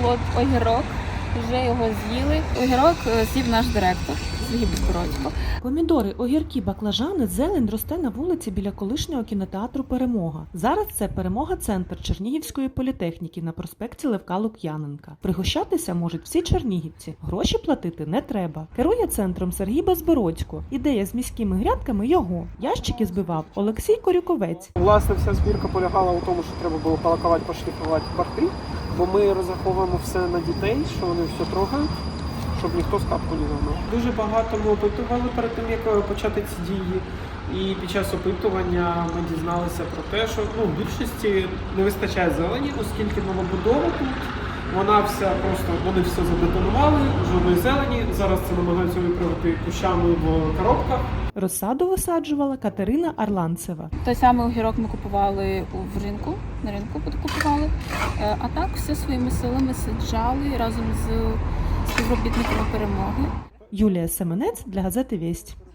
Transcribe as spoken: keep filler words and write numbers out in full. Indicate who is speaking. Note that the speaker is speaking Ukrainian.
Speaker 1: от огірок, вже його з'їли. Огірок з'їв наш директор Сергій Безбородько.
Speaker 2: Помідори, огірки, баклажани, зелень росте на вулиці біля колишнього кінотеатру «Перемога». Зараз це «Перемога-центр» Чернігівської політехніки на проспекті Левка Лук'яненка. Пригощатися можуть всі чернігівці. Гроші платити не треба. Керує центром Сергій Безбородько. Ідея з міськими грядками його. Ящики збивав Олексій Корюковець.
Speaker 3: Власне, вся збірка полягала у тому, що треба було полакувати, пошліфувати борти, бо ми розраховуємо все на дітей, що вони все трогають, щоб ніхто скапку не загнав. Дуже багато ми опитували перед тим, як почати ці дії. І під час опитування ми дізналися про те, що ну, в більшості не вистачає зелені, оскільки новобудова тут, вона вся просто, вони все забетонували, жодної зелені. Зараз це намагаються виправити кущами в коробках.
Speaker 2: Розсаду висаджувала Катерина Арланцева.
Speaker 1: Той самий огірок ми купували в ринку, на ринку купували. А так все своїми силами саджали разом з співробітниками «Перемоги».
Speaker 2: Юлія Семенець для газети «Вість».